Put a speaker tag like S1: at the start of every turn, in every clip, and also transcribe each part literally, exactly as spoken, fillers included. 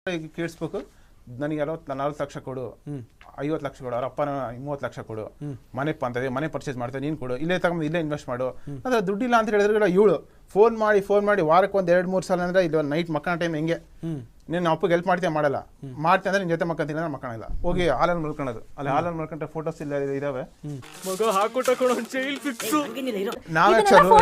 S1: ಕೇಳಿಸ್ಬೇಕು, ನನಗೆ ಅರವತ್ತು ನಲ್ವತ್ತು ಲಕ್ಷ ಕೊಡು, ಐವತ್ತು ಲಕ್ಷ ಕೊಡು, ಅವ್ರ ಅಪ್ಪನ ಮೂವತ್ತು ಲಕ್ಷ ಕೊಡು, ಮನೆ ಅಂತ ಮನೆ ಪರ್ಚೇಸ್ ಮಾಡ್ತಾರೆ ನೀನು ಕೊಡು, ಇಲ್ಲೇ ತಗೊಂಡು ಇಲ್ಲೇ ಇನ್ವೆಸ್ಟ್ ಮಾಡು ಅಂದ್ರೆ ದುಡ್ಡಿಲ್ಲ ಅಂತ ಹೇಳಿದ್ರೆ ಇವಳು ಫೋನ್ ಮಾಡಿ ಫೋನ್ ಮಾಡಿ ವಾರಕ್ಕೆ ಒಂದು ಎರಡು ಮೂರು ಸಲ ಅಂದ್ರೆ ಇದು ನೈಟ್ ಮಕ್ಕಳ ಟೈಮ್ ಹೆಂಗೆ ನೀನು ಅಪ್ಪಗೆ ಹೆಲ್ಪ್ ಮಾಡ್ತೀಯ ಮಾಡಲ್ಲ, ಮಾಡ್ತೀನಿ ಅಂದ್ರೆ ನಿನ್ನ ಜೊತೆ ಮಕ್ಕಂತೀನಿ ಅಂದ್ರೆ ಮಕ್ಕಳಲ್ಲ, ಹೋಗಿ ಹಾಲಲ್ಲಿ ಮಲ್ಕೊಳ್ಳೋದು, ಅಲ್ಲಿ ಹಾಲಲ್ಲಿ ಮಲ್ಕೊಂಡ್ರೆ ಫೋಟೋಸ್ ಇಲ್ಲ ಇದಾವೆ.
S2: ಮಗ ಹಾಕೊಟ್ಟ ಜೈಲ್ ಫಿಕ್ಸ್.
S1: ನಾವೇ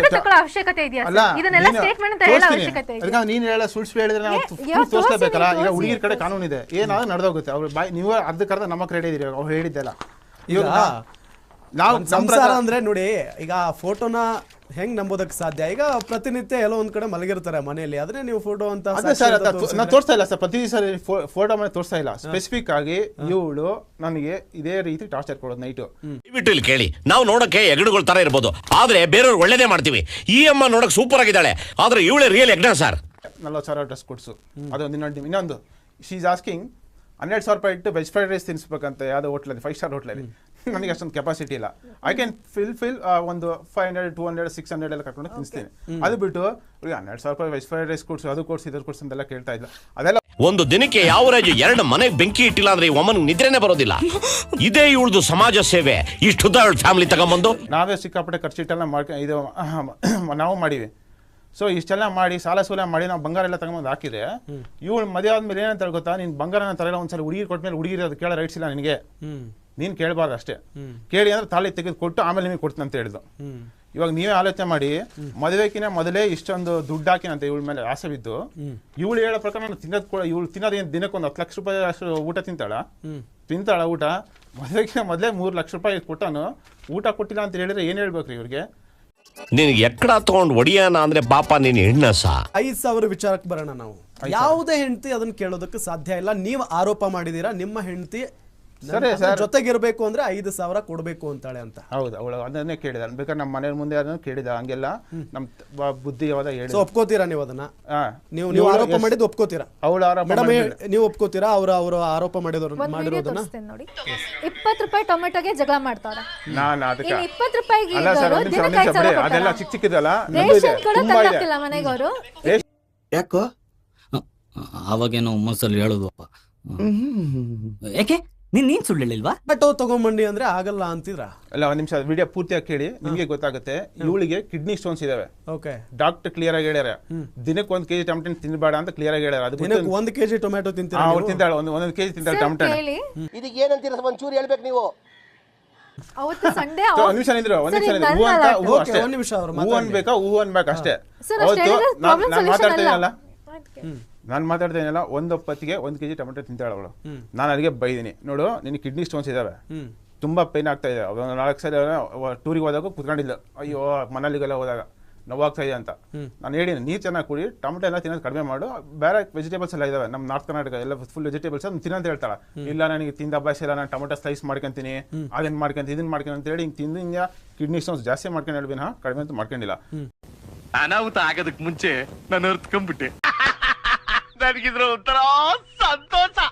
S1: ಅಲ್ಲ ನೀನು ಹೇಳ ಸುಳ್ಳು ಹೇಳಿದ್ರೆ ನಾವು ತೋರಿಸ್ಲೇಬೇಕಲ್ಲ. ಈಗ ಹುಡುಗಿರ ಕಡೆ ಕಾನೂನು ಇದೆ, ಏನಾದ್ರು ನಡೆದೋಗುತ್ತೆ. ಅವ್ರು ಬಾಯ್ ನೀವು ಅರ್ಧಕ್ಕರ್ಧ ನಮ್ಮ ಕ್ರೆಡಿಟ್ ಇದೀರಿ, ಅವ್ರು ಹೇಳಿದ್ದೆಲ್ಲ.
S3: ಈಗ ನಾವು ಸಂಸಾರ ಅಂದ್ರೆ ನೋಡಿ, ಈಗ ಫೋಟೋನ ಹೆಂಗ್ ನಂಬೋದಕ್ಕೆ ಸಾಧ್ಯ? ಈಗ ಪ್ರತಿನಿತ್ಯ ಎಲ್ಲೋ ಒಂದ್ ಕಡೆ ಮಲಗಿರ್ತಾರೆ ಮನೆಯಲ್ಲಿ, ಅದನ್ನೇ ನೀವು ಫೋಟೋ ಅಂತ
S1: ನಾನು ತೋರಿಸ್ತಾ ಇಲ್ಲ ಸರ್, ಪ್ರತಿ ಸರಿ ಫೋಟೋ ಮನೆ ತೋರಿಸ್ತಾ ಇಲ್ಲ. ಸ್ಪೆಸಿಫಿಕ್ ಆಗಿ ಇವಳು ನನಗೆ ಇದೇ ರೀತಿ ಟಾರ್ಚರ್ ಕೊಡೋದು ನೈಟು.
S4: ದಯವಿಟ್ಟು ಇಲ್ಲಿ ಕೇಳಿ, ನಾವು ನೋಡಕ್ಕೆ ಎಗಡುಗಳ ತರ ಇರ್ಬೋದು, ಆದ್ರೆ ಬೇರೆಯವ್ರು ಒಳ್ಳೇದೇ ಮಾಡ್ತೀವಿ. ಈ ಅಮ್ಮ ನೋಡಕ್ ಸೂಪರ್ ಆಗಿದ್ದಾಳೆ, ಆದ್ರೆ ಇವಳೇ ರಿಯಲ್ ಎಗ್ನ ಸರ್.
S1: ನಲ್ವತ್ತು ಸಾವಿರ ಡ್ರೆಸ್ ಕೊಡ್ಸು, ಅದೊಂದು ಇನ್ನೊಂದು ಇನ್ನೊಂದು ಶಿ ಈಸ್ ಆಸ್ಕಿಂಗ್ ಹನ್ನೆರಡು ಸಾವಿರ ರೂಪಾಯಿ ಇಟ್ಟು ವೆಜ್ ಫ್ರೈಡ್ ರೈಸ್ ತಿನ್ಸ್ಬೇಕಂತ ಯಾವುದೋ ಹೋಟ್ಲಲ್ಲಿ, ಫೈವ್ ಸ್ಟಾರ್ ಹೋಟ್ಲಲ್ಲಿ. ನನಗೆ ಅಷ್ಟೊಂದು ಕೆಪಾಸಿಟಿ ಇಲ್ಲ. ಐ ಕ್ಯಾನ್ ಫಿಲ್ ಫಿಲ್ ಒಂದು five hundred two hundred six hundred ಎಲ್ಲ ಕರ್ಕೊಂಡು ತಿನ್ನಿಸ್ತೀನಿ. ಅದು ಬಿಟ್ಟು ಹನ್ನೆರಡು ಸಾವಿರ ರೂಪಾಯಿ ವೆಜ್ ಫ್ರೈಡ್ ರೈಸ್ ಕೊಡ್ಸು, ಅದು ಕೊಡ್ಸು, ಇದ್ರ ಕೊಡ್ಸು ಅಂತೆಲ್ಲ ಕೇಳ್ತಾ ಇಲ್ಲ. ಅದೆಲ್ಲ
S4: ಒಂದು ದಿನಕ್ಕೆ ಯಾವ ರಾಜು ಎರಡು ಮನೆಗೆ ಬೆಂಕಿ ಇಟ್ಟಿಲ್ಲ ಅಂದ್ರೆ ಈ ಒಮ್ಮನ್ ನಿದ್ರೆನೇ ಬರೋದಿಲ್ಲ. ಇದೇ ಇವಳದು ಸಮಾಜ ಸೇವೆ. ಇಷ್ಟುದ್ದ ಅವಳ ಫ್ಯಾಮಿಲಿ ತಗೊಂಬಂದು
S1: ನಾವೇ ಸಿಕ್ಕಾಪಟ್ಟೆ ಖರ್ಚಿಟ್ಟೆಲ್ಲ ಮಾಡ್ಕೊಂಡು ಇದು ನಾವು ಮಾಡಿವಿ. ಸೊ ಇಷ್ಟೆಲ್ಲ ಮಾಡಿ ಸಾಲ ಸೂಲ ಮಾಡಿ ನಾವು ಬಂಗಾರ ಎಲ್ಲ ತಗೊಂಡು ಹಾಕಿದ್ರೆ ಇವಳು ಮದುವೆ ಆದ್ಮೇಲೆ ಏನಂತ ಗೊತ್ತಾ, ನೀನು ಬಂಗಾರನ ತರಲ್ಲ, ಒಂದ್ಸಲ ಹುಡುಗಿ ಕೊಟ್ಮೇಲೆ ಹುಡುಗಿರ ಅದು ಕೇಳೋ ರೈಟ್ಸ್ ಇಲ್ಲ ನಿನಗೆ, ನೀನು ಕೇಳಬಾರ್ದು ಅಷ್ಟೇ. ಕೇಳಿ ಅಂದ್ರೆ ತಾಳಿ ತೆಗೆದು ಕೊಟ್ಟು ಆಮೇಲೆ ನಿಮಗೆ ಕೊಡ್ತೀನಿ ಅಂತ ಹೇಳಿದ್ರು. ಇವಾಗ ನೀವೇ ಆಲೋಚನೆ ಮಾಡಿ, ಮದುವೆಕಿನ ಮೊದಲೇ ಇಷ್ಟೊಂದು ದುಡ್ಡು ಹಾಕಿನಂತ ಇವಳ ಮೇಲೆ ಆಸೆ ಬಿದ್ದು, ಇವಳು ಹೇಳೋ ಪ್ರಕಾರ ನಾನು ತಿನ್ನೋದು ಕೂಡ ಇವಳು ತಿನ್ನೋದು ದಿನಕ್ಕೆ ಒಂದು ಹತ್ತು ಲಕ್ಷ ರೂಪಾಯಿ ಅಷ್ಟು ಊಟ ತಿಂತಾಳ ತಿಂತಾಳ ಊಟ ಮದುವೆಕಿನ ಮೊದಲೇ ಮೂರು ಲಕ್ಷ ರೂಪಾಯಿ ಕೊಟ್ಟಾನು ಊಟ ಕೊಟ್ಟಿಲ್ಲ ಅಂತ ಹೇಳಿದ್ರೆ ಏನ್ ಹೇಳ್ಬೇಕ್ರಿ ಇವ್ರಿಗೆ?
S4: ನಿನಗೆ ಎಕ್ಕಡ ತಗೊಂಡು ಒಡಿಯಾನ ಅಂದ್ರೆ ಪಾಪ ನೀನು ಹೆಣ್ಣಸ.
S3: ಐದ್ ಸಾವಿರ ವಿಚಾರಕ್ಕೆ ಬರೋಣ ನಾವು. ಯಾವುದೇ ಹೆಂಡತಿ ಅದನ್ನ ಕೇಳೋದಕ್ಕೆ ಸಾಧ್ಯ ಇಲ್ಲ. ನೀವು ಆರೋಪ ಮಾಡಿದೀರಾ ನಿಮ್ಮ ಹೆಂಡತಿ ಜೊತೆಗಿರ್ಬೇಕು ಅಂದ್ರೆ ಐದು ಸಾವಿರ ಕೊಡ್ಬೇಕು ಅಂತಾಳೆ ಅಂತ.
S1: ಹೌದು, ಅವಳು ಅದನ್ನೇ ಕೇಳಿದ. ಬೇಕಾದ್ರೆ ನಮ್ಮ ಮನೆ ಮುಂದೆ ಅದನ್ನ ಕೇಳಿದ, ಹಂಗೆಲ್ಲ ನಮ್ ಬುದ್ಧಿ ಯಾವ್ದ ಹೇಳಿ.
S3: ಒಪ್ಕೋತೀರಾ ನೀವು ಅದನ್ನ? ನೀವು ನೀವು ಆರೋಪ ಮಾಡಿದ್ದು ಒಪ್ಕೋತೀರಾ?
S1: ಅವಳು ಆರೋಪ
S3: ಮೇಡಮ್ ನೀವು ಒಪ್ಕೋತೀರಾ ಅವ್ರ ಅವರು ಆರೋಪ ಮಾಡಿದವರು ಮಾಡಿರೋದನ್ನ?
S5: ನೋಡಿ, ಇಪ್ಪತ್ತು ರೂಪಾಯಿ ಟೊಮೆಟೊಗೆ ಜಗಳ ಮಾಡ್ತಾರ.
S1: ನಾನು ಅದಕ್ಕೆ
S5: ಇಪ್ಪತ್ತು ರೂಪಾಯಿಗೆ
S1: ಅದೆಲ್ಲ ಚಿಕ್ಕ ಚಿಕ್ಕದಲ್ಲ
S5: ಮನೆಗವರು.
S6: ಯಾಕೋ ಅವಾಗೇನೋ ಮನಸ್ಸಲ್ಲಿ ಹೇಳುದಪ್ಪ, ಯಾಕೆ ನೀನ್ ನೀನ್ ಸುಳ್ಳು ಹೇಳಿಲ್ವಾ?
S3: ಆಟೋ ತಗೊಂಬಂಡಿ ಅಂದ್ರೆ ಆಗಲ್ಲ ಅಂತಿದ್ರ?
S1: ಅಲ್ಲ, ಒಂದ್ ನಿಮಿಷ ವಿಡಿಯೋ ಪೂರ್ತಿಯಾಗಿ ಕೇಳಿ, ನಿಮ್ಗೆ ಗೊತ್ತಾಗುತ್ತೆ. ಇವಳಿಗೆ ಕಿಡ್ನಿ ಸ್ಟೋನ್ಸ್ ಇದಾವೆ.
S3: ಓಕೆ,
S1: ಡಾಕ್ಟರ್ ಕ್ಲಿಯರ್ ಆಗಿ ಹೇಳ್ಯಾರ, ದಿನಕ್ಕೆ ಒಂದ್ ಕೆಜಿ ಟೊಮೆಟೊ ತಿನ್ಬೇಡ ಅಂತ ಕ್ಲಿಯರ್ ಆಗಿ ಹೇಳ್ಯಾರ.
S3: ಅದು ಒಂದ್ ಕೆಜಿ ಟೊಮೆಟೊ ತಿಂತೀರಾ?
S1: ಅವ್ರು ತಿಂತಾಳೆ, ಒಂದ್ ಒಂದೊಂದು ಕೆಜಿ ತಿಂತಾಳೆ ಟೊಮೆಟೊ.
S2: ಇದಕ್ಕೆ ಏನಂತೀರ ಒಂಚೂರು ಹೇಳ್ಬೇಕು ನೀವು.
S5: ಅವತ್ತು ಸಂಡೇ
S1: ಒಂದ್ ನಿಮಿಷ ನಿಂದ್ರು, ಒಂದ್ ನಿಮಿಷ ನಿಂದ್ರು. ಹೂ ಅಂತ ಹೂ ಅಷ್ಟೇ,
S3: ಒಂದ್ ನಿಮಿಷ ಅವ್ರು
S1: ಹೂ ಅನ್ಬೇಕಾ ಹೂ ಅನ್ಬೇಕು ಅಷ್ಟೇ. ಅವತ್ತು ನಾನು ಮಾತಾಡ್ತೇನಲ್ಲ ನಾನು ಮಾತಾಡ್ತೇನಲ್ಲ ಒಂದೊಪ್ಪತ್ತಿಗೆ ಒಂದ್ ಕೆಜಿ ಟೊಮೆಟೊ ತಿಂತಾಳೆ ಅವಳು. ನಾನು ಅಲ್ಲಿಗೆ ಬೈದಿನಿ, ನೋಡು ನಿನ್ ಕಿಡ್ನಿ ಸ್ಟೋನ್ಸ್ ಇದಾವೆ, ತುಂಬಾ ಪೈನ್ ಆಗ್ತಾ ಇದೆ. ನಾಲ್ಕು ಸಲ ಟೂರಿಗೆ ಹೋದಾಗ ಕುತ್ಕೊಂಡಿಲ್ಲ, ಅಯ್ಯೋ ಮನಾಲಿಗೆಲ್ಲ ಹೋದಾಗ ನೋವಾಗ್ತಾ ಇದೆ ಅಂತ ನಾನು ಹೇಳಿನಿ. ನೀರು ಚೆನ್ನಾಗಿ ಕುಡಿ, ಟೊಮೆಟೊ ಎಲ್ಲ ತಿನ್ನೋದು ಕಡಿಮೆ ಮಾಡು, ಬೇರೆ ವೆಜಿಟೇಬಲ್ಸ್ ಎಲ್ಲ ಇದಾವೆ ನಮ್ಮ ನಾರ್ತ್ ಕರ್ನಾಟಕ ಎಲ್ಲ ಫುಲ್ ವೆಜಿಟೇಬಲ್ಸ್ ಅದನ್ನ ತಿನ್ನಂತ ಹೇಳ್ತಾಳೆ. ಇಲ್ಲ ನನಗೆ ತಿಂದ ಅಭ್ಯಾಸ ಇಲ್ಲ, ನಾನು ಟೊಮೆಟೊ ಸ್ಲೈಸ್ ಮಾಡ್ಕೊಂತೀನಿ, ಅದನ್ನ ಮಾಡ್ಕೊಂತ ಇದನ್ನ ಮಾಡ್ಕೊಂಡು ಅಂತ ಹೇಳಿ ಹಿಂಗೆ ತಿಂದು ಹಿಂಗೆ ಕಿಡ್ನಿ ಸ್ಟೋನ್ಸ್ ಜಾಸ್ತಿ ಮಾಡ್ಕೊಂಡು ಹೇಳ್ಬಿನ, ಕಡಿಮೆ ಅಂತ ಮಾಡ್ಕೊಂಡಿಲ್ಲ.
S2: ಅನಾಹುತ ಆಗೋದಕ್ಕೆ ಮುಂಚೆ ನಾನು ಅರ್ತ್ಕೊಂಡ್ಬಿಟ್ಟೆ. ನನಗಿದ್ರ ಒಂಥರ ಸಂತೋಷ